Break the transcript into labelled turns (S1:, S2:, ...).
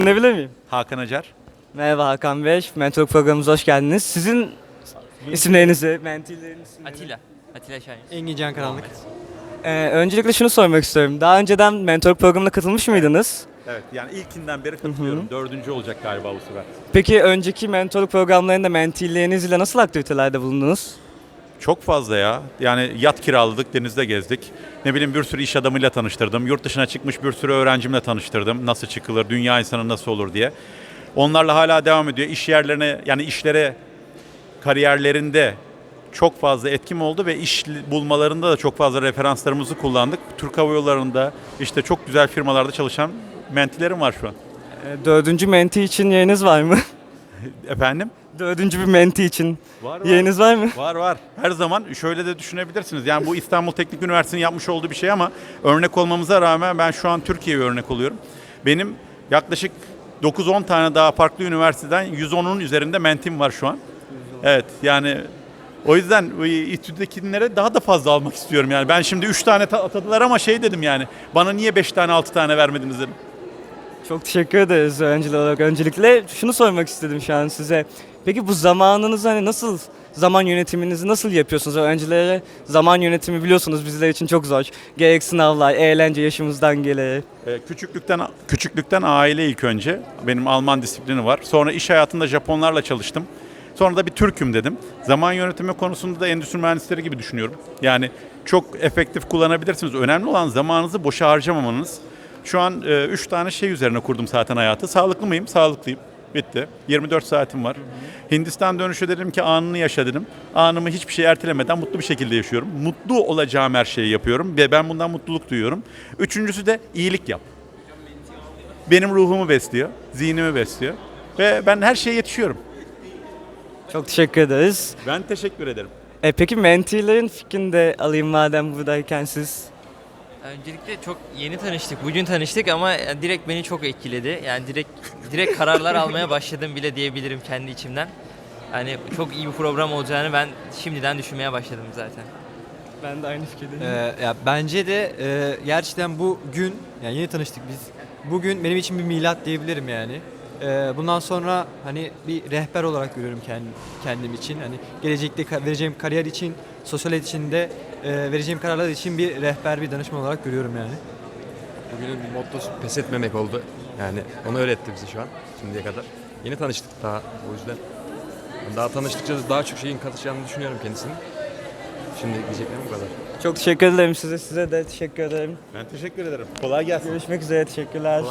S1: Ne bilir miyim?
S2: Hakan Acar.
S1: Merhaba Hakan Bey, mentor programımıza hoş geldiniz. Sizin isimlerinizi, mentilerin isimlerini...
S3: Atilla Şahin.
S4: Engin Can Karanlık.
S1: Öncelikle şunu sormak istiyorum. Daha önceden mentor programına katılmış mıydınız?
S2: Evet, yani ilkinden beri katılıyorum. Dördüncü olacak galiba bu sefer.
S1: Peki önceki mentorluk programlarında mentilerinizle nasıl aktivitelerde bulundunuz?
S2: Çok fazla ya. Yani yat kiraladık, denizde gezdik. Ne bileyim bir sürü iş adamıyla tanıştırdım. Yurt dışına çıkmış bir sürü öğrencimle tanıştırdım. Nasıl çıkılır, dünya insanı nasıl olur diye. Onlarla hala devam ediyor. İş yerlerine, yani işlere, kariyerlerinde çok fazla etkim oldu ve iş bulmalarında da çok fazla referanslarımızı kullandık. Türk Hava Yolları'nda işte çok güzel firmalarda çalışan mentilerim var şu an.
S1: Dördüncü menti için yeriniz var mı?
S2: Efendim?
S1: Dördüncü bir menti için
S2: Var.
S1: yeriniz var mı?
S2: Var. Her zaman şöyle de düşünebilirsiniz. Yani bu İstanbul Teknik Üniversitesi'nin yapmış olduğu bir şey ama örnek olmamıza rağmen ben şu an Türkiye'ye örnek oluyorum. Benim yaklaşık 9-10 tane daha farklı üniversiteden 110'un üzerinde mentim var şu an. Evet yani o yüzden İTÜ'dekilere daha da fazla almak istiyorum yani. Ben şimdi 3 tane atadılar ama şey dedim yani. Bana niye 5 tane 6 tane vermediniz dedim.
S1: Çok teşekkür ederiz öğrenciler olarak. Öncelikle şunu sormak istedim şu an size. Peki bu zamanınızı nasıl, zaman yönetiminizi nasıl yapıyorsunuz? Öğrencilere zaman yönetimi biliyorsunuz bizler için çok zor. Gerek sınavlar, eğlence yaşımızdan gelir.
S2: Küçüklükten aile ilk önce. Benim Alman disiplini var. Sonra iş hayatında Japonlarla çalıştım. Sonra da bir Türk'üm dedim. Zaman yönetimi konusunda da endüstri mühendisleri gibi düşünüyorum. Yani çok efektif kullanabilirsiniz. Önemli olan zamanınızı boşa harcamamanız. Şu an 3 tane şey üzerine kurdum zaten hayatı. Sağlıklı mıyım? Sağlıklıyım. Bitti. 24 saatim var. Hindistan dönüşü dedim ki anını yaşa dedim. Anımı hiçbir şey ertelemeden mutlu bir şekilde yaşıyorum. Mutlu olacağım her şeyi yapıyorum ve ben bundan mutluluk duyuyorum. Üçüncüsü de iyilik yap. Benim ruhumu besliyor, zihnimi besliyor ve ben her şeye yetişiyorum.
S1: Çok teşekkür ederiz.
S2: Ben teşekkür ederim.
S1: Peki mentilerin fikrini de alayım madem buradayken siz.
S3: Öncelikle çok yeni tanıştık. Bugün tanıştık ama direkt beni çok etkiledi. Yani direkt kararlar almaya başladım bile diyebilirim kendi içimden. Yani çok iyi bir program olacağını ben şimdiden düşünmeye başladım zaten.
S1: Ben de aynı fikirdeyim.
S4: Ya bence de gerçekten bu gün, yani yeni tanıştık biz. Bugün benim için bir milat diyebilirim yani. Bundan sonra hani bir rehber olarak görüyorum kendim için. Hani gelecekte vereceğim kariyer için, sosyal hayat için de vereceğim kararlar için bir rehber, bir danışman olarak görüyorum yani.
S5: Bugünün mottosu pes etmemek oldu. Yani onu öğretti bize şu an şimdiye kadar. Yeni tanıştık daha o yüzden. Daha tanıştıkça daha çok şeyin katacağını düşünüyorum kendisinin. Şimdi diyeceklerim bu kadar.
S1: Çok teşekkür ederim size de teşekkür ederim.
S2: Ben teşekkür ederim. Kolay gelsin.
S1: Görüşmek üzere, teşekkürler.